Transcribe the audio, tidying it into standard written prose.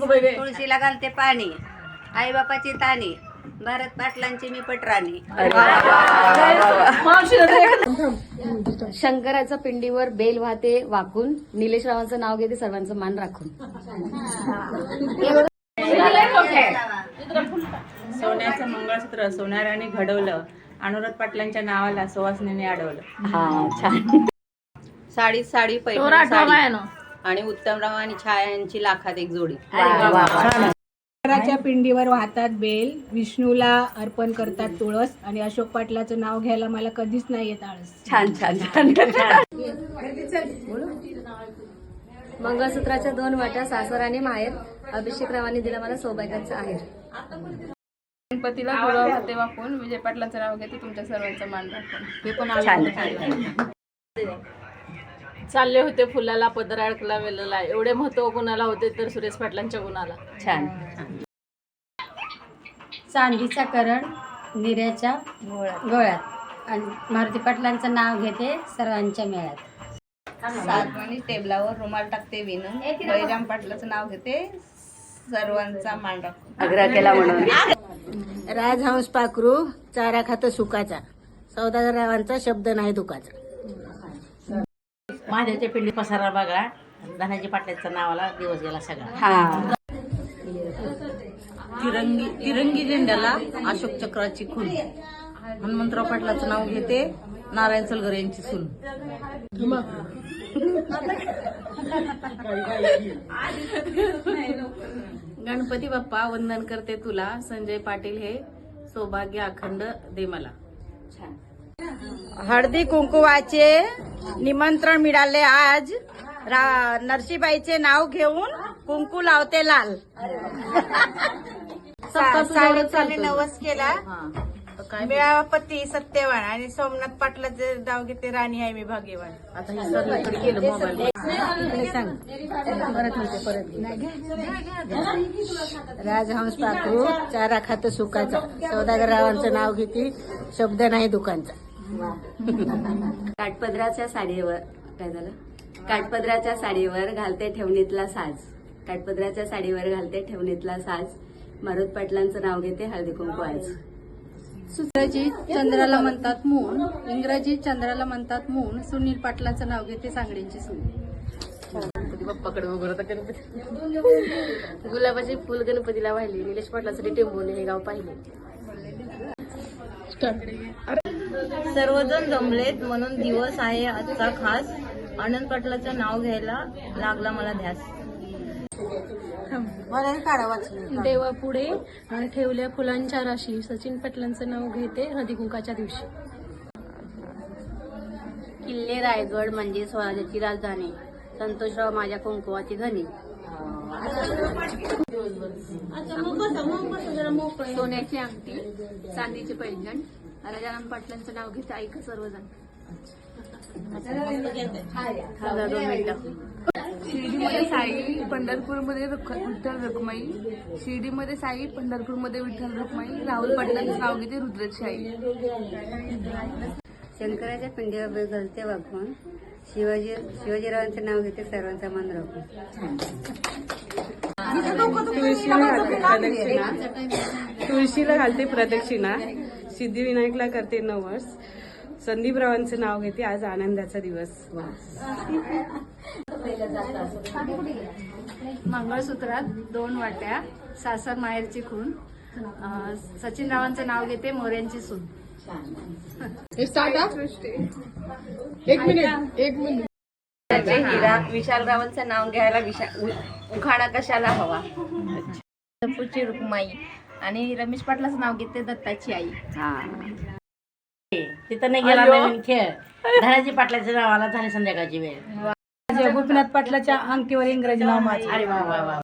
तुळशीला घालते पाणी, आई बापाची ताणी, भारत पाटलांची मी पटराणी. शंकराच्या पिंडीवर बेल वाहते वाकून, निलेश रावांचं नाव घेते सर्वांचं मान राखून. सोन्याचं मंगळसूत्र सोनाराने घडवलं, अनुराध पाटलांच्या नावाला सुवासिनीने अडवलं. हा छान. साडी साडी पैठणी साडी आणि उत्तमराव आणि छाया यांची लाखात एक जोडी. शंकराच्या पिंडीवर वाहतात बेल, विष्णूला अर्पण करतात तुळस आणि अशोक पाटलाचं नाव घ्यायला मला कधीच नाही येत आळस. छान छान छान. मंगळसूत्राच्या 2 वाट्या सासर आणि माहेर, अभिषेक रावांनी दिला मला सौभाग्याचं आहेर. गणपतीला गुलाब हाते वाकून, विजय पाटलांचं नाव घेते तुमच्या सर्वांचं मान राखून. हे पण चालले होते फुलाला पदर अडकला वेलला, एवढे महत्व गुणाला होते तर सुरेश पाटलांच्या गुणाला. छान. चांदीचा करण निऱ्याच्या गळ्यात आणि मारुती पाटलांचं नाव घेते सर्वांच्या मेळ्यात. सातवाणी टेबलावर रुमाल टाकते विणून, बळीराम पाटलाचं नाव घेते सर्वांचा मान राखून. आग्रह केला म्हणून. राजहंस पाखरू चारा खातं सुखाचा, सौदागरावांचा शब्द नाही दुखाचा. महादेवच्या पिंडी पसारा बघा, धनाजी पाटलाच्या नावाला दिवस गेला सगळा. हा. तिरंगी झेंड्याला अशोक चक्राची खून, हनुमंतराव पाटलाचं नाव घेते नारायण सलगर यांची सून. गणपती बाप्पा वंदन करते तुला, संजय पाटील हे सौभाग्य अखंड दे मला. हळदी कुंकुवाचे निमंत्रण मिळाले आज, नरसीबाईचे नाव घेऊन कुंकू लावते लाल. सावित्रीने नवस केला, मिळावा पती सत्यवान आणि सोमनाथ पाटलाचे नाव घेते राणी आहे मी भाग्यवान. आता हे सगळीकडे केलं मोबाईल. राजहंस पाखरू चारा खातं सुखाचा, सौदागररावांचं नाव घेते शब्द नाही दुकानचा. काठपदराच्या साडीवर काय झालं? काठपदराच्या साडीवर घालते ठेवणीतला साज, काठपदराच्या साडीवर घालते ठेवणीतला साज, मारुत पाटलांचं नाव घेते हळदी कुंकू आज. इंग्रजीत चंद्राला म्हणतात मून, इंग्रजीत चंद्राला म्हणतात मून, सुनील पाटलाचं नाव घेते सांगडींची सून. बाप्पाकडे वगैरे गुलाबाचे फुल गणपतीला वाहिले, निलेश पाटलासाठी टेंबोने हे गाव पाहिले. सर्वजण जमलेत म्हणून दिवस आहे आजचा खास, आनंद पाटलाचं नाव घ्यायला लागला मला ध्यास. देवापुढे ठेवल्या फुलांच्या राशी, सचिन पाटलांचं नाव घेते हळदी कुंकाच्या दिवशी. किल्ले रायगड म्हणजे स्वराज्याची राजधानी, संतोषराव माझ्या कुंकुवाची धनी. सोन्याची अंगठी, चांदीचे पैंजण, राजाराम पाटलांचं नाव घेते ऐक सर्वजण. शिर्डीमध्ये साई, पंढरपूरमध्ये विठ्ठल रखुमाई, शिर्डीमध्ये साई, पंढरपूरमध्ये विठ्ठल रखुमाई, राहुल पाटलांचं नाव घेते रुद्रशाही. शंकराच्या पिंडीवर घालते वाकून, शिवाजीरावांचं नाव घेते सर्वांचा मान राखून. तुळशीला घालते प्रदक्षिणा, सिद्धिविनायकला करते नवस, संदीपरावांचं नाव घेते आज आनंदाचा दिवस. मंगळसूत्रात 2 वाट्या सासर माहेरची खून, सचिन रावांचं नाव घेते मोऱ्यांची सून. हिरा, विशालरावांचं नाव घ्यायला उखाणा कशाला हवा. पंढरपूरची रुक्माई आणि रमेश पाटलाचं नाव घेते दत्ताची आई. तिथं नाही गेला नवीन खेळ, धनाजी पाटलाच्या नावाला झाली संध्याकाळची वेळ. गोपीनाथ पाटलाच्या अंगठीवर इंग्रजी नाव माझे. अरे वा वा वा.